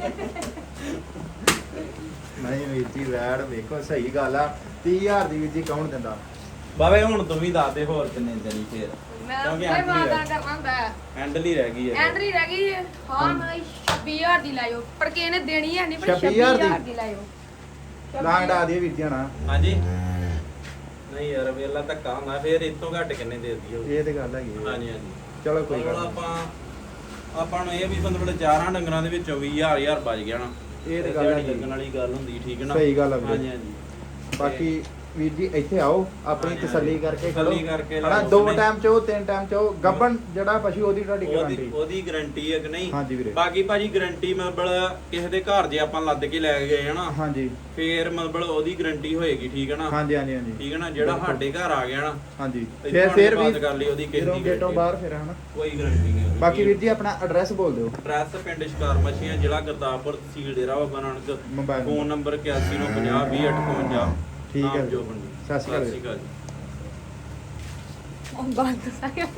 Speaker 1: ਨਹੀਂ ਵੀਰ ਜੀ ਵੈੜ ਵੇਖੋ ਸਹੀ ਗੱਲ ਆ। ਤੀਹ ਹਜ਼ਾਰ ਦੀ ਵੀਰ ਜੀ ਕੌਣ ਦਿੰਦਾ।
Speaker 2: ਬਾਵੇ ਹੁਣ ਤੂੰ ਵੀ ਦੱਸ ਦੇ ਹੋਰ ਕਿੰਨੇ ਦੇਣੀ ਫੇਰ,
Speaker 3: ਮੈਂ
Speaker 2: ਕਿਉਂਕਿ
Speaker 3: ਕੋਈ
Speaker 2: ਐਂਟਰੀ
Speaker 3: ਮਾਦਾ
Speaker 2: ਹੈ।
Speaker 3: ਕਰਨਾ ਹੁੰਦਾ ਹੈ।
Speaker 2: ਹੈਂਡਲ ਹੀ ਰਹਿ ਗਈ ਹੈ
Speaker 3: ਐਂਟਰੀ ਰਹਿ ਗਈ ਹੈ। ਹਾਂ ਮੈਂ ਛੱਬੀ ਹਜ਼ਾਰ ਦੀ ਲਾਇਓ, ਪਰ ਕਿਸੇ ਨੇ ਦੇਣੀ ਹੈ ਨਹੀਂ, ਪਰ
Speaker 1: ਛੱਬੀ
Speaker 3: ਛੱਬੀ
Speaker 1: ਹਜ਼ਾਰ ਦੀ?
Speaker 3: ਹਜ਼ਾਰ ਦੀ ਲਾਇਓ।
Speaker 1: ਲਾਂਗ ਡਾ ਦੀ ਵੀਰ ਜੀ ਹਣਾ।
Speaker 2: ਹਾਂਜੀ ਨਹੀਂ ਯਾਰ ਵੇਲਾ ਧੱਕਾ ਹੁੰਦਾ, ਫੇਰ ਇਸ ਤੋਂ ਘੱਟ ਕਿੰਨੇ ਦੇ ਦਈਓ।
Speaker 1: ਇਹ ਤੇ ਗੱਲ ਹੈਗੀ ਆ।
Speaker 2: ਹਾਂਜੀ ਹਾਂਜੀ
Speaker 1: ਚਲੋ ਕੋਈ
Speaker 2: ਮਤਲਬ
Speaker 1: ਗੱਲ ਨੀ।
Speaker 2: ਆਪਾਂ ਆਪਾਂ ਨੂੰ ਇਹ ਵੀ ਮਤਲਬ ਚਾਰਾਂ ਡੰਗਰਾਂ ਦੇ ਵਿੱਚੋਂ ਵੀਹ ਹਜ਼ਾਰ ਹਜ਼ਾਰ ਬਚ ਗਿਆ ਨਾ।
Speaker 1: ਇਹ ਤੇ ਗੱਲ ਹੈਗੀ।
Speaker 2: ਲੱਗਣ ਵਾਲੀ ਗੱਲ ਹੁੰਦੀ, ਠੀਕ ਹੈ ਨਾ।
Speaker 1: ਸਹੀ ਗੱਲ ਆ ਵੀਰੇ।
Speaker 2: ਹਾਂਜੀ ਹਾਂਜੀ
Speaker 1: ਬਾਕੀ ਵੀਰ ਜੀ ਇੱਥੇ ਆਓ ਆਪਣੀ
Speaker 2: ਹਾਂਜੀ,
Speaker 1: ਤਸੱਲੀ
Speaker 2: ਹਾਂਜੀ।
Speaker 1: ਕਰਕੇ ਖੜੋ
Speaker 2: ਤਸੱਲੀ ਕਰਕੇ
Speaker 1: ਹਨਾ।
Speaker 2: ਲਾਓ।
Speaker 1: ਦੋ
Speaker 2: ਨਹੀਂ।
Speaker 1: ਟਾਈਮ ਚੋ ਤਿੰਨ ਟਾਈਮ ਚੋ ਗੱਬਣ ਜਿਹੜਾ ਪਸ਼ੂ ਉਹਦੀ ਤੁਹਾਡੀ
Speaker 2: ਉਹਦੀ
Speaker 1: ਗਾਰੰਟੀ।
Speaker 2: ਉਹਦੀ ਗਾਰੰਟੀ ਹੈ ਕਿ ਨਹੀਂ।
Speaker 1: ਹਾਂਜੀ ਵੀਰੇ।
Speaker 2: ਬਾਕੀ ਭਾਜੀ ਗਾਰੰਟੀ ਮਤਲਬ ਕਿਸੇ ਦੇ ਘਰ ਜੇ ਆਪਾਂ ਲੱਦ ਕੇ ਲੈ ਗਏ ਹਨਾ,
Speaker 1: ਹਾਂਜੀ
Speaker 2: ਫੇਰ ਮਤਲਬ ਉਹਦੀ ਗਾਰੰਟੀ ਹੋਏਗੀ, ਠੀਕ ਹੈ ਨਾ।
Speaker 1: ਹਾਂਜੀ ਹਾਂਜੀ ਹਾਂਜੀ
Speaker 2: ਠੀਕ ਹੈ ਨਾ, ਜਿਹੜਾ
Speaker 1: ਬਿਲਕੁਲ।
Speaker 2: ਸਾਡੇ ਘਰ ਆ ਗਿਆ ਨਾ,
Speaker 1: ਹਾਂਜੀ
Speaker 2: ਇੱਥੋਂ
Speaker 1: ਫਿਰ
Speaker 2: ਆਣ
Speaker 1: ਫਿਰ
Speaker 2: ਕੇ
Speaker 1: ਵੀ
Speaker 2: ਬਾਤ ਕਰ ਲਈ ਉਹਦੀ ਕਿਸੇ
Speaker 1: ਜਦੋਂ
Speaker 2: ਦੀ
Speaker 1: ਗੇਟੋਂ
Speaker 2: guarantee
Speaker 1: ਬਾਹਰ ਫਿਰ ਹਨਾ।
Speaker 2: ਕੋਈ ਗਾਰੰਟੀ ਨਹੀਂ ਉਹਦੀ।
Speaker 1: ਬਾਕੀ ਵੀਰ ਜੀ ਆਪਣਾ ਐਡਰੈਸ ਬੋਲ ਦਿਓ।
Speaker 2: ਐਡਰੈਸ ਪਿੰਡ ਸ਼ਿਕਾਰ ਮੱਛੀਆਂ, ਜ਼ਿਲ੍ਹਾ ਗੁਰਦਾਸਪੁਰ, ਤਹਿਸੀਲ Dera Baba Nanak.
Speaker 1: Mobile
Speaker 2: phone number ਇਕਿਆਸੀ ਨੌ ਪੰਜਾਹ ਵੀਹ ਅੱਠ ਇਕਵੰਜਾ।
Speaker 1: ਠੀਕ ਹੈ
Speaker 2: ਨਾਮ
Speaker 1: ਜੀ।
Speaker 2: ਜੋਬਨ ਜੀ।
Speaker 1: ਸਤਿ ਸ਼੍ਰੀ ਅਕਾਲ
Speaker 2: ਸਤਿ ਸ਼੍ਰੀ ਅਕਾਲ ਜੀ।
Speaker 3: ਉਹ ਬਾਤ ਦੱਸਾਂਗੇ।